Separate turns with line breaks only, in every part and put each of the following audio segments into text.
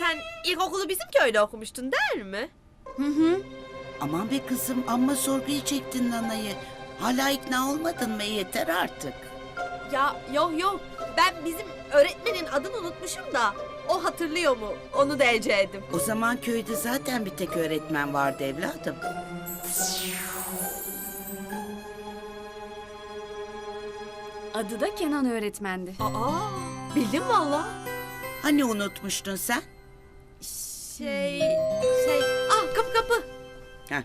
Sen ilkokulu bizim köyde okumuştun değil mi?
Aman be kızım, amma sorguya çektin nanayı. Hala ikna olmadın mı? Yeter artık.
Ya yok. Ben bizim öğretmenin adını unutmuşum da o hatırlıyor mu? Onu da eceğim.
O zaman köyde zaten bir tek öğretmen vardı evladım.
Adı da Kenan öğretmendi.
Bildim valla.
Hani unutmuştun sen?
Şey... kapı.
Heh.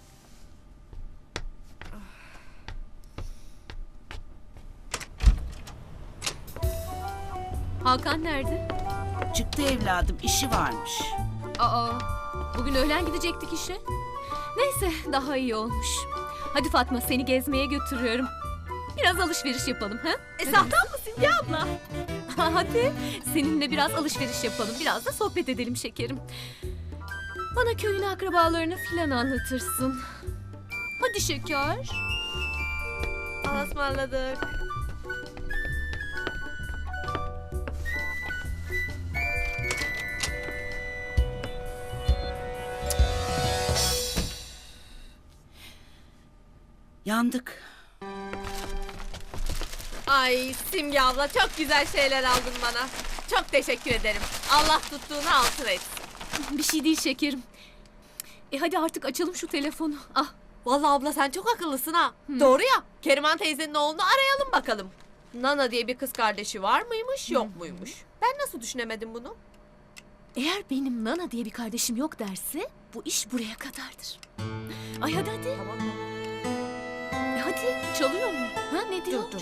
Hakan nerede?
Çıktı evladım, işi varmış.
Bugün öğlen gidecektik işe. Neyse, daha iyi olmuş. Hadi Fatma, seni gezmeye götürüyorum. Biraz alışveriş yapalım, ha?
Sahtan mısın ya abla?
Hadi, seninle biraz alışveriş yapalım. Biraz da sohbet edelim şekerim. Bana köyün akrabalarını filan anlatırsın. Hadi şeker.
Allah'a ısmarladık.
Yandık.
Ay Simge abla çok güzel şeyler aldın bana. Çok teşekkür ederim. Allah tuttuğunu altın etsin.
Bir şey değil şekerim. Hadi artık açalım şu telefonu.
Vallahi abla sen çok akıllısın ha. Doğru ya. Keriman teyzenin oğlunu arayalım bakalım. Nana diye bir kız kardeşi var mıymış yok muymuş? Ben nasıl düşünemedim bunu?
Eğer benim Nana diye bir kardeşim yok derse bu iş buraya kadardır. Ay hadi.
Tamam mı?
Hadi çalıyor mu? Ha ne diyor?
Dur.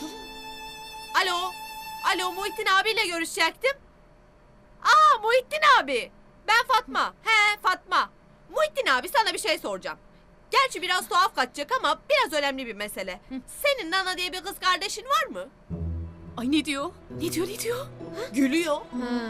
Alo Muhittin abiyle görüşecektim. Muhittin abi. Ben Fatma. Fatma. Muhittin abi sana bir şey soracağım. Gerçi biraz tuhaf kaçacak ama biraz önemli bir mesele. Senin Nana diye bir kız kardeşin var mı?
Ay ne diyor? Ne diyor?
Gülüyor.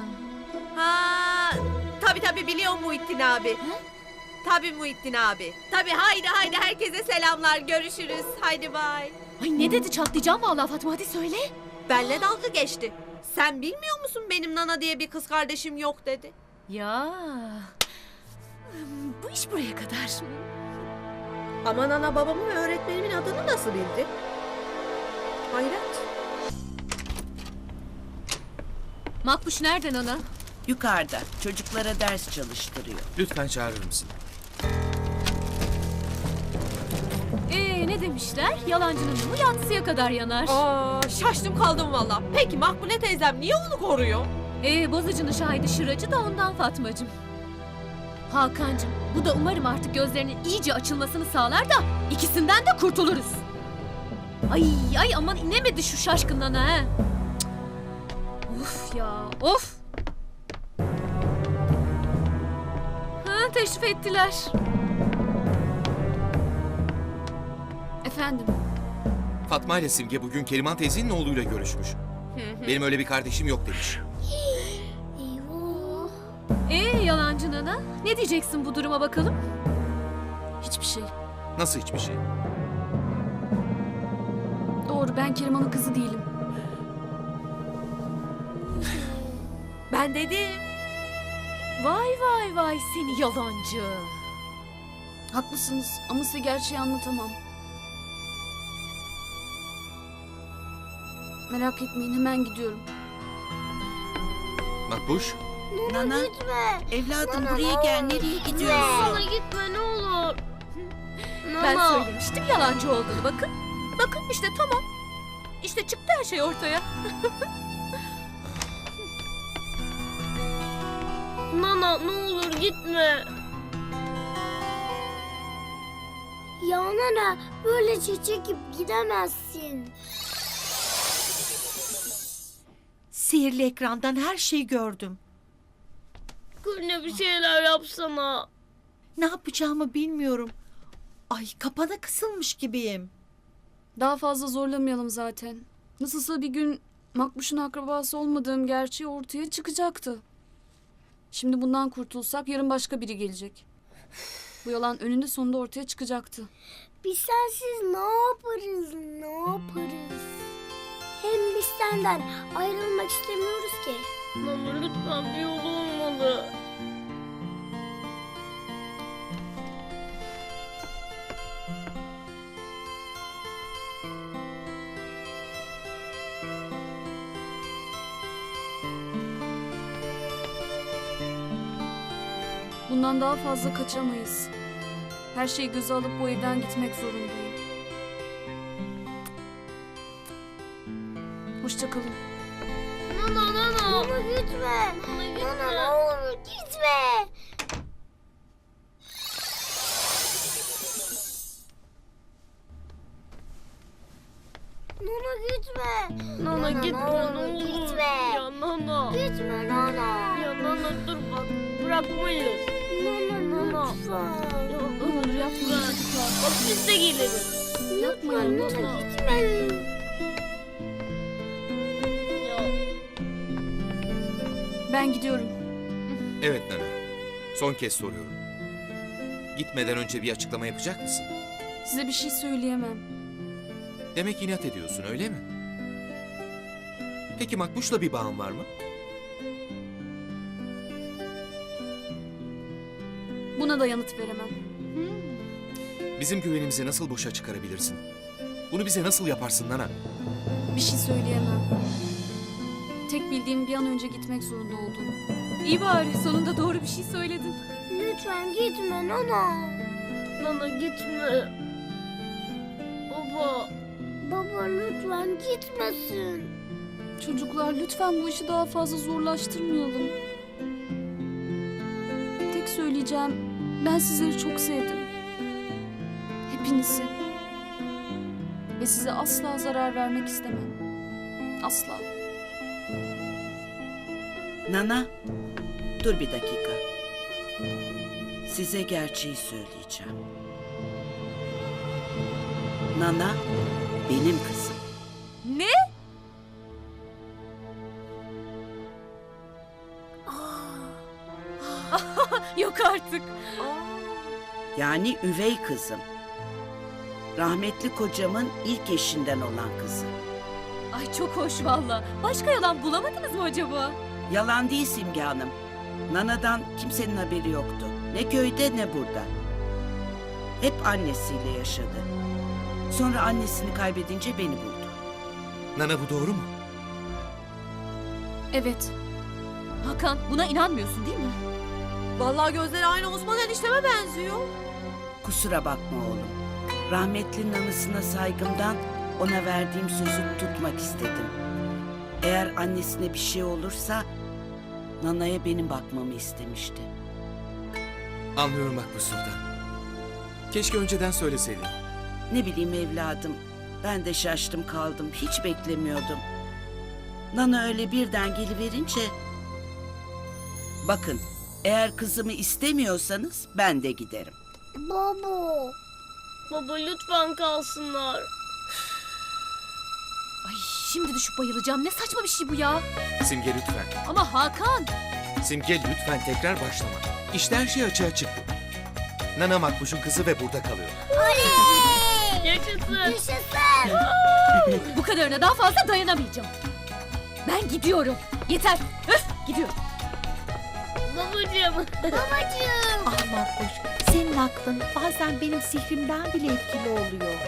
Tabii biliyorum Muhittin abi. Tabii Muhittin abi. Tabii haydi herkese selamlar. Görüşürüz. Haydi bay.
Ay ne dedi, çatlayacağım vallahi Fatma, hadi söyle.
Benle dalga geçti. Sen bilmiyor musun benim Nana diye bir kız kardeşim yok dedi.
Ya bu iş buraya kadar.
Ama Nana babamın ve öğretmenimin adını nasıl bildi? Hayret.
Makbuş nereden ana?
Yukarıda, çocuklara ders çalıştırıyor.
Lütfen çağırır mısın?
Ne demişler? Yalancının mumu yatsıya kadar yanar.
Şaştım kaldım valla. Peki Makbule teyzem niye onu koruyor?
Bozacının şahidi şıracı da ondan Fatmacığım. Hakan'cığım, bu da umarım artık gözlerinin iyice açılmasını sağlar da ikisinden de kurtuluruz. Ay aman inemedi şu şaşkından ha. Cık. Of ya of. Teşrif ettiler. Efendim?
Fatma ile Simge bugün Keriman teyzenin oğluyla görüşmüş. Benim öyle bir kardeşim yok demiş.
Yalancı nana, ne diyeceksin bu duruma bakalım?
Hiçbir şey.
Nasıl hiçbir şey?
Doğru, ben Keriman'ın kızı değilim.
Ben dedim.
Vay seni yalancı.
Haklısınız ama size gerçeği anlatamam. Merak etmeyin, hemen gidiyorum.
Makbuş,
Nana,
Gitme.
evladım
Nana,
buraya gel. Nereye
Nana
gidiyorsun?
gitme ne olur.
Ben
Nana.
söylemiştim yalancı olduğunu, bakın. Bakın işte tamam. İşte çıktı her şey ortaya.
Nana ne olur gitme. Ya Nana böylece çekip gidemezsin.
Sihirli ekrandan her şeyi gördüm.
Gülne bir şeyler yapsana.
Ne yapacağımı bilmiyorum. Ay kapana kısılmış gibiyim.
Daha fazla zorlamayalım zaten. Nasılsa bir gün Makbuş'un akrabası olmadığım gerçeği ortaya çıkacaktı. Şimdi bundan kurtulsak yarın başka biri gelecek. Bu yalan önünde sonunda ortaya çıkacaktı.
Biz sensiz ne yaparız, ne yaparız? Hem biz senden ayrılmak istemiyoruz ki. Nana lütfen bir yol olmalı.
Bundan daha fazla kaçamayız. Her şeyi göze alıp bu evden gitmek zorundayım. Hoşça kalın.
Nana gitme. Nana ne olur gitme. Nana gitme.
Nana gitme ne olur.
Gitme.
Ya Nana.
Gitme Nana.
Ya Nana dur bak bırakmayız.
Nana lütfen.
Ya olur yapma. Bak biz de geliriz.
Yapmayın
Nana
lütfen.
gitme.
Ya
Ben gidiyorum.
Evet Nana. Son kez soruyorum. Gitmeden önce bir açıklama yapacak mısın?
Size bir şey söyleyemem.
Demek inat ediyorsun öyle mi? Peki Makbuş'la bir bağın var mı?
Buna da yanıt veremem.
Bizim güvenimizi nasıl boşa çıkarabilirsin? Bunu bize nasıl yaparsın Nana?
Bir şey söyleyemem. Tek bildiğim bir an önce gitmek zorunda olduğum.
İyi bari sonunda doğru bir şey söyledin.
Lütfen gitme Nana.
Nana gitme. Baba.
Baba lütfen gitmesin.
Çocuklar lütfen bu işi daha fazla zorlaştırmayalım. Tek söyleyeceğim, ben sizleri çok sevdim. Hepinizi. Ve size asla zarar vermek istemem. Asla.
Nana, dur bir dakika. Size gerçeği söyleyeceğim. Nana, benim kızım.
Ne? Yok artık.
Yani üvey kızım. Rahmetli kocamın ilk eşinden olan kızı.
Ay çok hoş valla. Başka yalan bulamadınız mı acaba?
Yalan değil Simge Hanım. Nana'dan kimsenin haberi yoktu. Ne köyde ne burada. Hep annesiyle yaşadı. Sonra annesini kaybedince beni buldu.
Nana bu doğru mu?
Evet,
Hakan buna inanmıyorsun değil mi?
Vallahi gözleri aynı Osman enişteme benziyor.
Kusura bakma oğlum. Rahmetlinin anısına saygımdan ona verdiğim sözü tutmak istedim. Eğer annesine bir şey olursa Nana'ya benim bakmamı istemişti.
Anlıyorum Makbuş Sultan. Keşke önceden söyleseydin.
Ne bileyim evladım. Ben de şaştım kaldım. Hiç beklemiyordum. Nana öyle birden geliverince... Bakın, eğer kızımı istemiyorsanız ben de giderim.
Baba.
Baba lütfen kalsınlar.
Ay şimdi düşüp bayılacağım. Ne saçma bir şey bu ya.
Simge lütfen.
Ama Hakan.
Simge lütfen tekrar başlama. İşte her şey açığa çıktı. Nana Makbuş'un kızı ve burada kalıyor.
Yaşasın.
Yaşasın.
Bu kadarına daha fazla dayanamayacağım. Ben gidiyorum. Yeter. Öf gidiyorum.
Babacığım.
Babacığım.
Ah Makbuş, senin aklın bazen benim sihrimden bile etkili oluyor.